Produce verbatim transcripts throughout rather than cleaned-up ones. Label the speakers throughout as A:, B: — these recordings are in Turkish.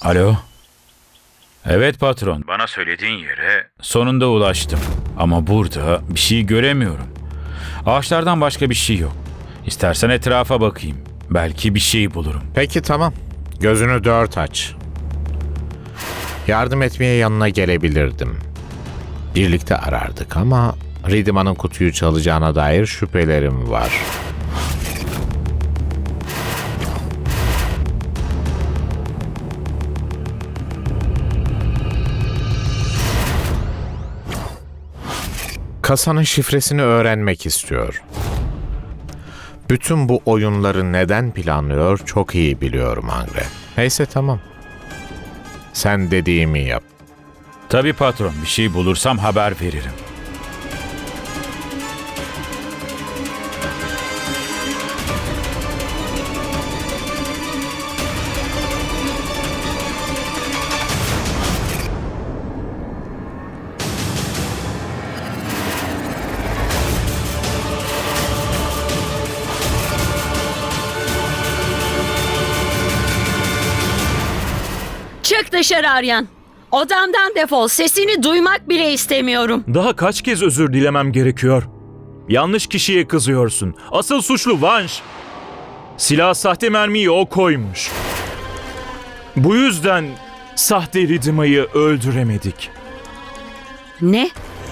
A: Alo? Evet patron. Bana söylediğin yere sonunda ulaştım. Ama burada bir şey göremiyorum. Ağaçlardan başka bir şey yok. İstersen etrafa bakayım. Belki bir şey bulurum.
B: Peki tamam. Gözünü dört aç. Yardım etmeye yanına gelebilirdim. Birlikte arardık ama Ridima'nın kutuyu çalacağına dair şüphelerim var. Kasanın şifresini öğrenmek istiyor. Bütün bu oyunları neden planlıyor çok iyi biliyorum Angre. Neyse tamam. Sen dediğimi yap.
A: Tabii patron, bir şey bulursam haber veririm.
C: Çık dışarı Aryan. Odamdan defol. Sesini duymak bile istemiyorum.
D: Daha kaç kez özür dilemem gerekiyor? Yanlış kişiye kızıyorsun. Asıl suçlu Vanş. Silah sahte mermiyi o koymuş. Bu yüzden sahte Ridima'yı öldüremedik.
C: Ne?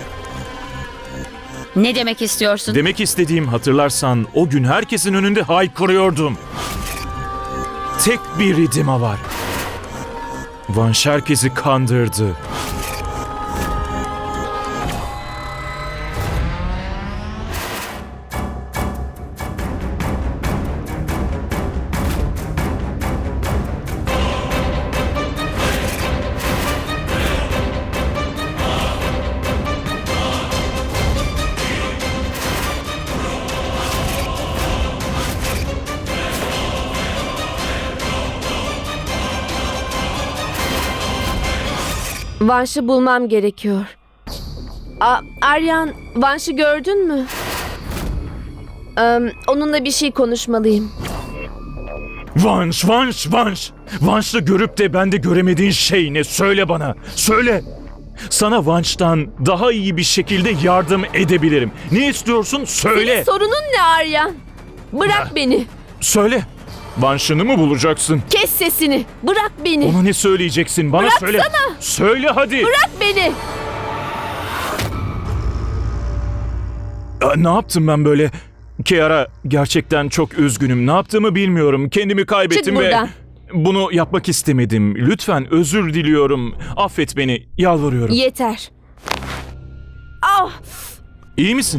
C: Ne demek istiyorsun?
D: Demek istediğim, hatırlarsan o gün herkesin önünde haykırıyordum. Tek bir Ridima var. Vanş herkesi kandırdı.
E: Vanş'ı bulmam gerekiyor. A Aryan, Vanş'ı gördün mü? Ee, onunla bir şey konuşmalıyım.
D: Vanş, Vanş, Vanş. Vanş'ı görüp de bende göremediğin şey ne? Söyle bana, söyle. Sana Vanş'tan daha iyi bir şekilde yardım edebilirim. Ne istiyorsun? Söyle.
E: Senin sorunun ne Aryan? Bırak beni.
D: Söyle. Vanş'ını mı bulacaksın?
E: Kes sesini. Bırak beni.
D: Ona ne söyleyeceksin? Bana
E: Bıraksana.
D: söyle. Söyle hadi.
E: Bırak beni.
D: Aa, ne yaptım ben böyle? Kiara, gerçekten çok üzgünüm. Ne yaptığımı bilmiyorum. Kendimi kaybettim
E: Çık
D: ve
E: buradan.
D: bunu yapmak istemedim. Lütfen özür diliyorum. Affet beni. Yalvarıyorum.
E: Yeter. Ah!
D: İyi misin?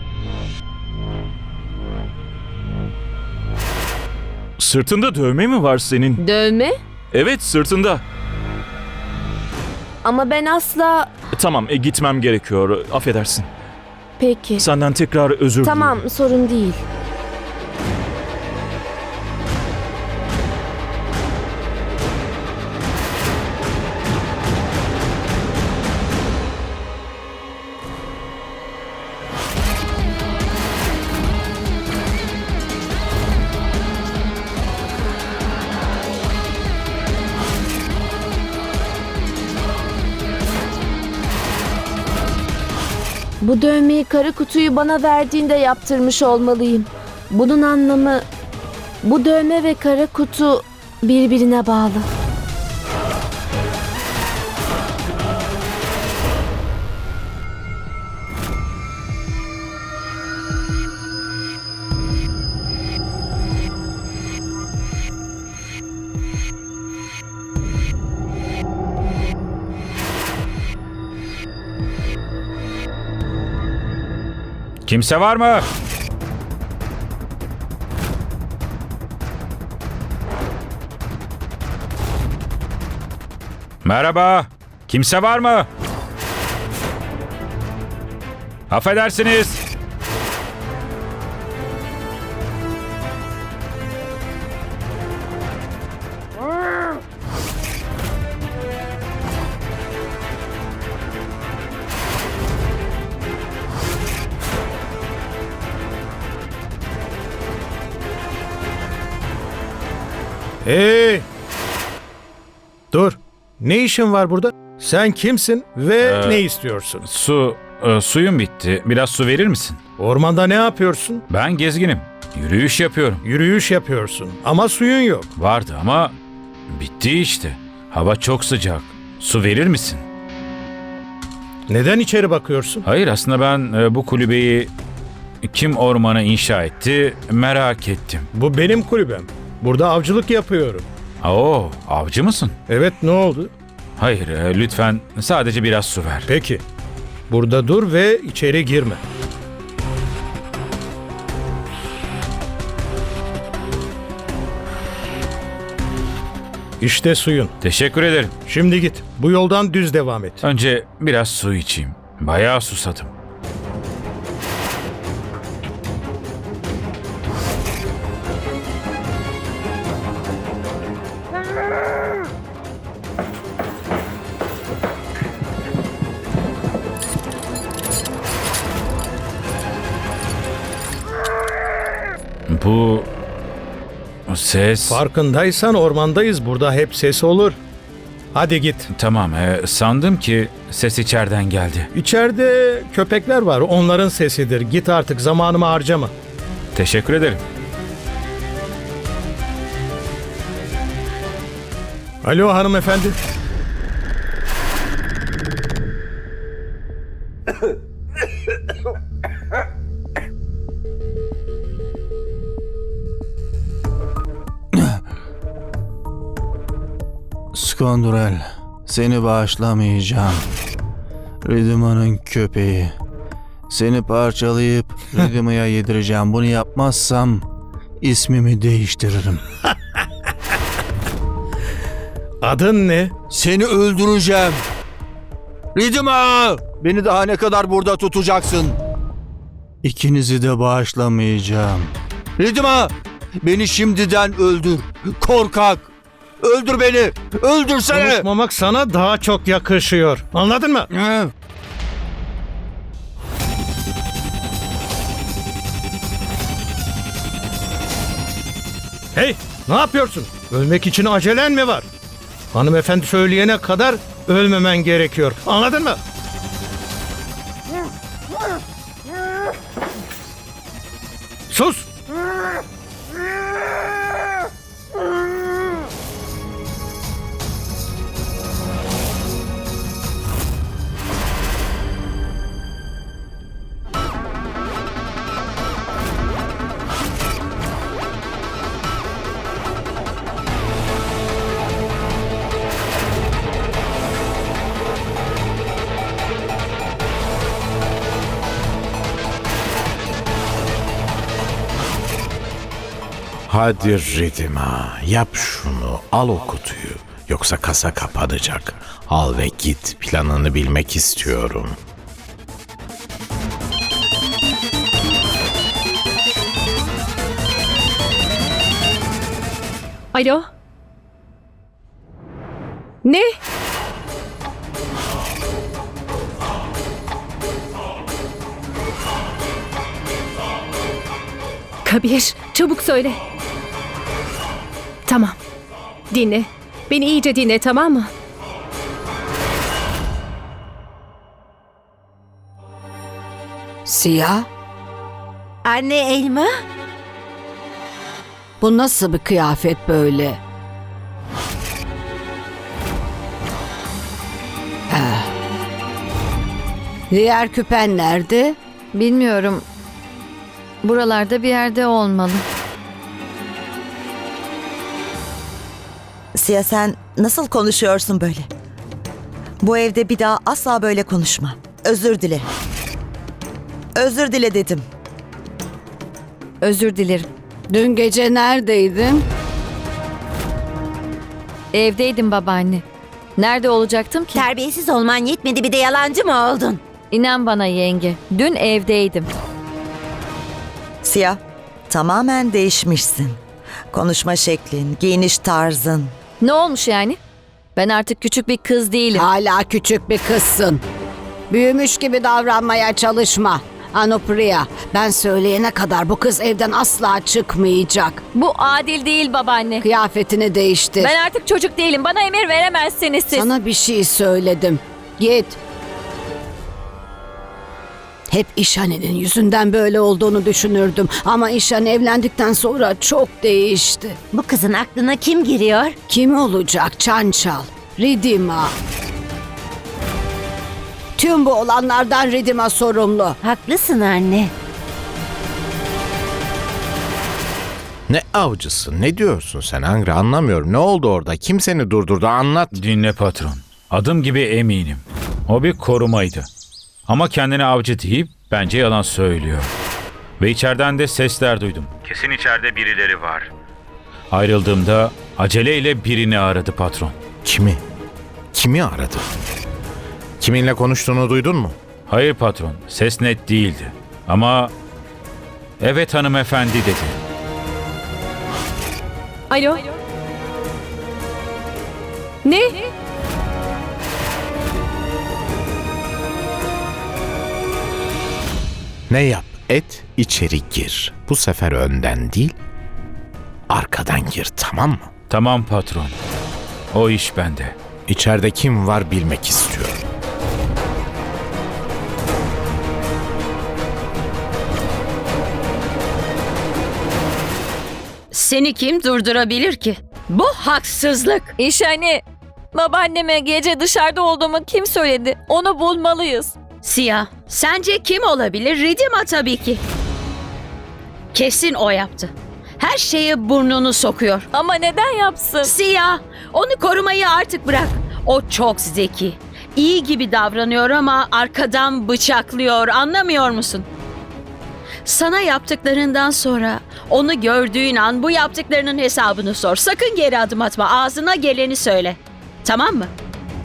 D: Sırtında dövme mi var senin?
E: Dövme?
D: Evet, sırtında.
E: Ama ben asla...
D: Tamam, e, gitmem gerekiyor. Affedersin.
E: Peki.
D: Senden tekrar özür
E: Tamam,
D: diliyorum.
E: sorun değil. Bu dövmeyi kara kutuyu bana verdiğinde yaptırmış olmalıyım. Bunun anlamı, bu dövme ve kara kutu birbirine bağlı.
A: Kimse var mı? Merhaba. Kimse var mı? Affedersiniz. Hey!
F: Dur. Ne işin var burada? Sen kimsin ve
A: Ee,
F: ne istiyorsun?
A: Su, e, suyum bitti. Biraz su verir misin?
F: Ormanda ne yapıyorsun?
A: Ben gezginim. Yürüyüş yapıyorum.
F: Yürüyüş yapıyorsun ama suyun yok.
A: Vardı ama bitti işte. Hava çok sıcak. Su verir misin?
F: Neden içeri bakıyorsun?
A: Hayır, aslında ben e, bu kulübeyi kim ormana inşa etti merak ettim.
F: Bu benim kulübem. Burada avcılık yapıyorum.
A: Oo, avcı mısın?
F: Evet, ne oldu?
A: Hayır, e, lütfen sadece biraz su ver.
F: Peki. Burada dur ve içeri girme. İşte suyun.
A: Teşekkür ederim.
F: Şimdi git. Bu yoldan düz devam et.
A: Önce biraz su içeyim. Bayağı susadım. Bu ses...
F: Farkındaysan ormandayız. Burada hep ses olur. Hadi git.
A: Tamam, e, sandım ki ses içeriden geldi.
F: İçeride köpekler var. Onların sesidir. Git artık, zamanımı harcama.
A: Teşekkür ederim.
F: Alo hanımefendi.
G: Skondurel, seni bağışlamayacağım. Ridima'nın köpeği. Seni parçalayıp Ridima'ya yedireceğim. Bunu yapmazsam ismimi değiştiririm.
F: Adın ne?
G: Seni öldüreceğim. Ridima! Beni daha ne kadar burada tutacaksın? İkinizi de bağışlamayacağım. Ridima! Beni şimdiden öldür. Korkak! Öldür beni! Öldürsene!
F: Konuşmamak sana daha çok yakışıyor. Anladın mı?
G: Hı.
F: Hey, ne yapıyorsun? Ölmek için acelen mi var? Hanımefendi söyleyene kadar ölmemen gerekiyor. Anladın mı? Sus!
B: Hadi Ridima, yap şunu, al o kutuyu. Yoksa kasa kapanacak. Al ve git, planını bilmek istiyorum.
H: Alo? Ne? Kabir, çabuk söyle. Tamam. Dinle. Beni iyice dinle, tamam mı?
C: Siyah? Anne elma? Bu nasıl bir kıyafet böyle? Ha. Diğer küpen nerede?
E: Bilmiyorum. Buralarda bir yerde olmalı.
I: Siya, sen nasıl konuşuyorsun böyle? Bu evde bir daha asla böyle konuşma. Özür dile. Özür dile dedim.
E: Özür dilerim.
C: Dün gece neredeydin?
E: Evdeydim babaanne. Nerede olacaktım ki?
I: Terbiyesiz olman yetmedi, bir de yalancı mı oldun?
E: İnan bana yenge. Dün evdeydim.
I: Siya, tamamen değişmişsin. Konuşma şeklin, giyiniş tarzın.
E: Ne olmuş yani? Ben artık küçük bir kız değilim.
C: Hala küçük bir kızsın. Büyümüş gibi davranmaya çalışma.
J: Anupriya, ben söyleyene kadar bu kız evden asla çıkmayacak.
H: Bu adil değil babaanne.
J: Kıyafetini değiştir.
H: Ben artık çocuk değilim. Bana emir veremezsiniz siz.
J: Sana bir şey söyledim. Git. Hep İşhane'nin yüzünden böyle olduğunu düşünürdüm. Ama İşhane evlendikten sonra çok değişti.
K: Bu kızın aklına kim giriyor?
J: Kim olacak? Çançal, Ridima. Tüm bu olanlardan Ridima sorumlu.
K: Haklısın anne.
B: Ne avcısı? Ne diyorsun sen Angri? Anlamıyorum. Ne oldu orada? Kim seni durdurdu? Anlat.
A: Dinle patron. Adım gibi eminim. O bir korumaydı. Ama kendine avcı deyip bence yalan söylüyor. Ve içeriden de sesler duydum. Kesin içeride birileri var. Ayrıldığımda aceleyle birini aradı patron.
B: Kimi? Kimi aradı? Kiminle konuştuğunu duydun mu?
A: Hayır patron, ses net değildi. Ama evet hanımefendi dedi.
H: Alo? Ne?
B: Ne yap? Et, içeri gir. Bu sefer önden değil, arkadan gir, tamam mı?
A: Tamam patron. O iş bende.
B: İçeride kim var bilmek istiyorum.
C: Seni kim durdurabilir ki? Bu haksızlık.
H: İşhane, babaanneme gece dışarıda olduğumu kim söyledi? Onu bulmalıyız.
C: Siyah, sence kim olabilir? Ridima tabii ki. Kesin o yaptı. Her şeye burnunu sokuyor.
H: Ama neden yapsın?
C: Siyah, onu korumayı artık bırak. O çok zeki. İyi gibi davranıyor ama arkadan bıçaklıyor. Anlamıyor musun? Sana yaptıklarından sonra onu gördüğün an bu yaptıklarının hesabını sor. Sakın geri adım atma. Ağzına geleni söyle. Tamam mı?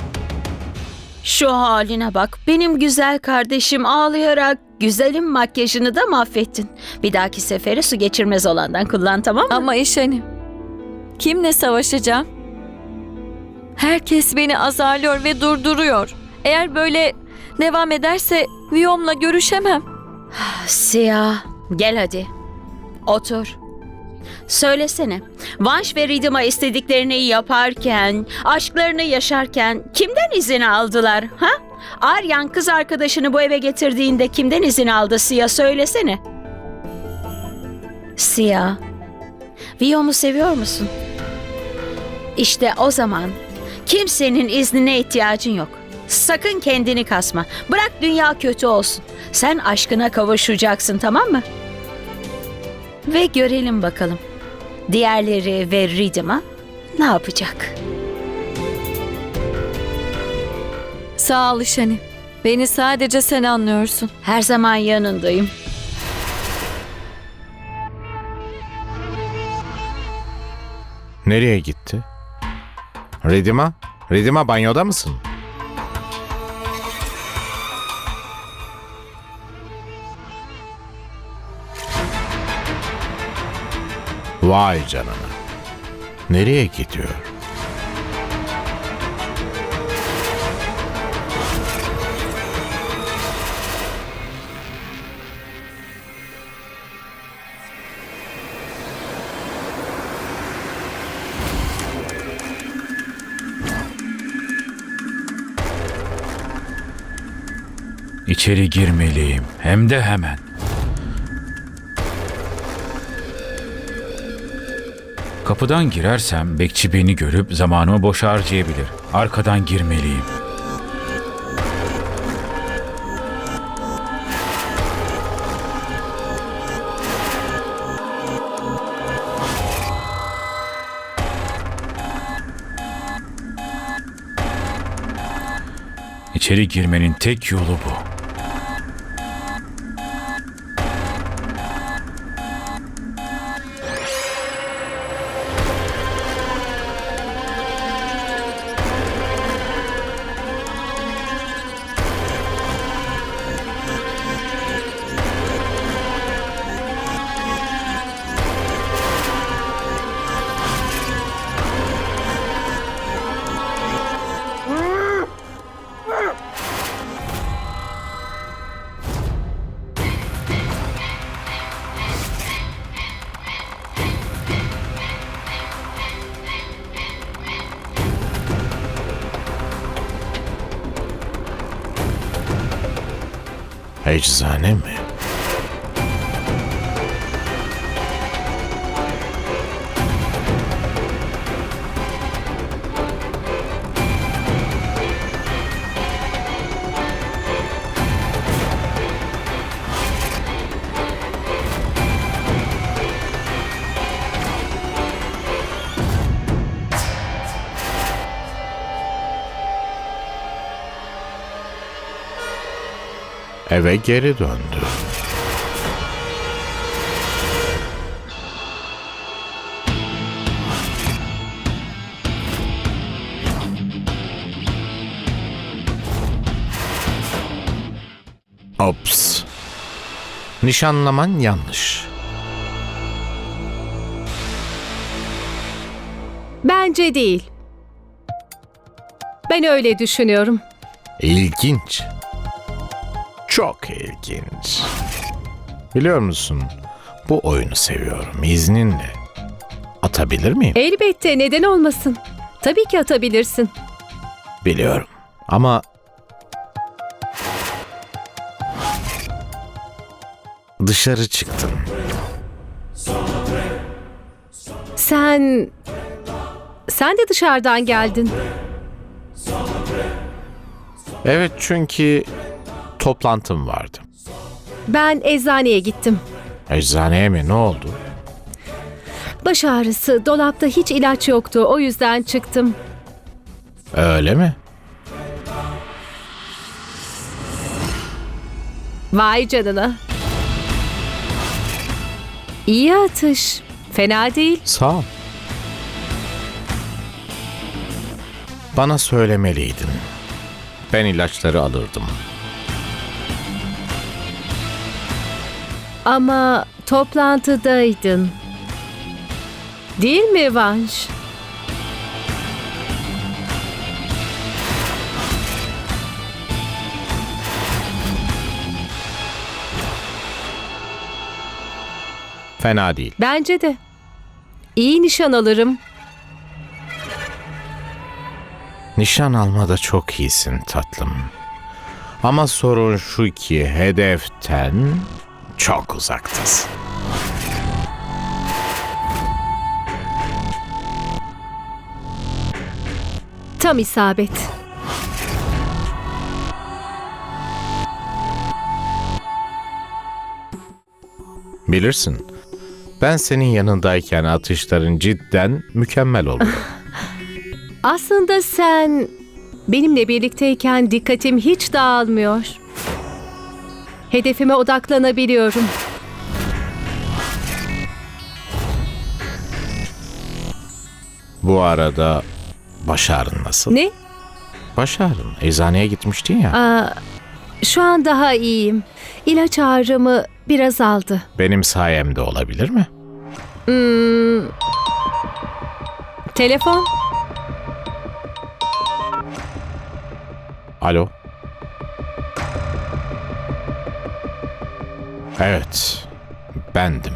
C: Şu haline bak. Benim güzel kardeşim ağlayarak güzelim makyajını da mahvettin. Bir dahaki sefere su geçirmez olandan kullan, tamam mı?
H: Ama İşhane, kimle savaşacağım? Herkes beni azarlıyor ve durduruyor. Eğer böyle devam ederse Viyom'la görüşemem.
C: Siyah, gel hadi. Otur. Söylesene, Vanş ve Ridima istediklerini yaparken, aşklarını yaşarken kimden izin aldılar, ha? Aryan kız arkadaşını bu eve getirdiğinde kimden izin aldı Siyah, söylesene. Siyah, Viyom'u seviyor musun? İşte o zaman kimsenin iznine ihtiyacın yok. Sakın kendini kasma. Bırak dünya kötü olsun. Sen aşkına kavuşacaksın, tamam mı? Ve görelim bakalım. Diğerleri ve Ridima ne yapacak?
H: Sağ ol İşhane. Beni sadece sen anlıyorsun.
C: Her zaman yanındayım.
B: Nereye gitti? Ridima? Ridima banyoda mısın? Vay canına. Nereye gidiyor?
A: İçeri girmeliyim. Hem de hemen. Kapıdan girersem bekçi beni görüp zamanımı boş harcayabilir. Arkadan girmeliyim. İçeri girmenin tek yolu bu.
B: Eczane mi? Eve geri döndü. Ops. Nişanlaman yanlış.
L: Bence değil. Ben öyle düşünüyorum.
B: İlginç. Çok ilginç. Biliyor musun? Bu oyunu seviyorum. İzninle. Atabilir miyim?
L: Elbette, neden olmasın? Tabii ki atabilirsin.
B: Biliyorum. Ama dışarı çıktım.
L: Sen... Sen de dışarıdan geldin.
B: Evet, çünkü toplantım vardı.
L: Ben eczaneye gittim.
B: Eczaneye mi? Ne oldu?
L: Baş ağrısı, dolapta hiç ilaç yoktu. O yüzden çıktım.
B: Öyle mi?
L: Vay canına. İyi atış. Fena değil.
B: Sağ ol. Bana söylemeliydin. Ben ilaçları alırdım.
L: Ama toplantıdaydın. Değil mi Vanş?
B: Fena değil.
L: Bence de. İyi nişan alırım.
B: Nişan almada çok iyisin tatlım. Ama sorun şu ki hedeften çok uzaktasın.
L: Tam isabet.
B: Bilirsin, ben senin yanındayken atışların cidden mükemmel oluyor.
L: Aslında sen benimle birlikteyken dikkatim hiç dağılmıyor. Hedefime odaklanabiliyorum.
B: Bu arada baş ağrın nasıl?
L: Ne?
B: Baş ağrın. Eczaneye gitmiştin ya.
L: Aa, şu an daha iyiyim. İlaç ağrımı biraz aldı.
B: Benim sayemde olabilir mi?
L: Hmm. Telefon?
B: Alo? Evet, bendim.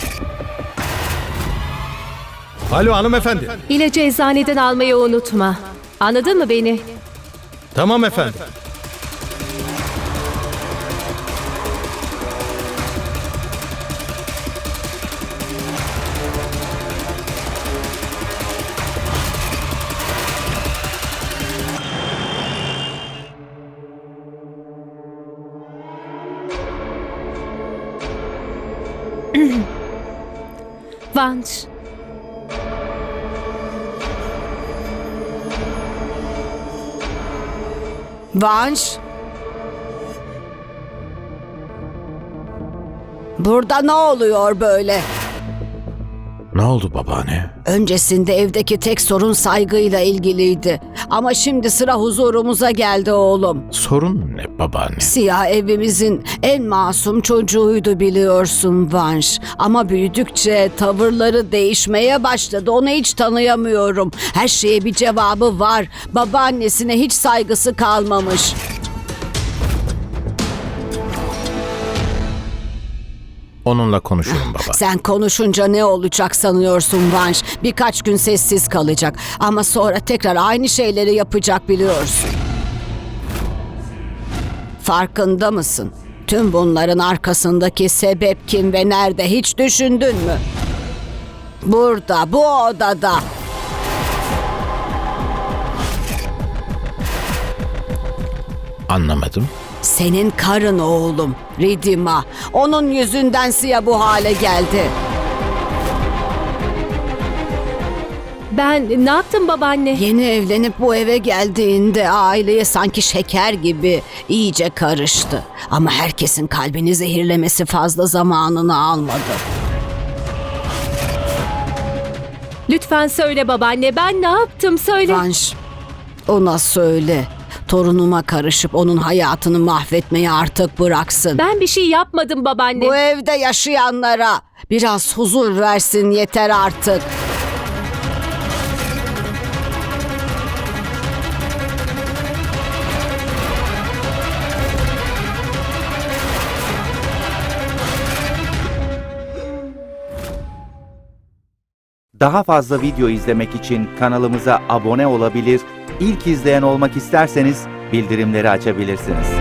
F: Alo hanımefendi.
L: İlacı eczaneden almayı unutma. Anladın mı beni?
F: Tamam efendim.
L: Vanş.
J: Vanş. Burada ne oluyor böyle?
B: Ne oldu babaanne?
J: Öncesinde evdeki tek sorun saygıyla ilgiliydi. Ama şimdi sıra huzurumuza geldi oğlum.
B: Sorun ne babaanne?
J: Siyah evimizin en masum çocuğuydu biliyorsun Vanş. Ama büyüdükçe tavırları değişmeye başladı. Onu hiç tanıyamıyorum. Her şeye bir cevabı var. Babaannesine hiç saygısı kalmamış.
B: Onunla konuşurum baba.
J: Sen konuşunca ne olacak sanıyorsun Vanş? Birkaç gün sessiz kalacak. Ama sonra tekrar aynı şeyleri yapacak biliyorsun. Farkında mısın? Tüm bunların arkasındaki sebep kim ve nerede hiç düşündün mü? Burada, bu odada.
B: Anlamadım.
J: Senin karın oğlum, Ridima. Onun yüzünden Siya bu hale geldi.
L: Ben ne yaptım babaanne?
J: Yeni evlenip bu eve geldiğinde aileye sanki şeker gibi iyice karıştı. Ama herkesin kalbini zehirlemesi fazla zamanını almadı.
L: Lütfen söyle babaanne, ben ne yaptım söyle.
J: Vanş, ona söyle. Torunuma karışıp onun hayatını mahvetmeyi artık bıraksın.
L: Ben bir şey yapmadım babaanne.
J: Bu evde yaşayanlara biraz huzur versin yeter artık.
M: Daha fazla video izlemek için kanalımıza abone olabilir, ilk izleyen olmak isterseniz bildirimleri açabilirsiniz.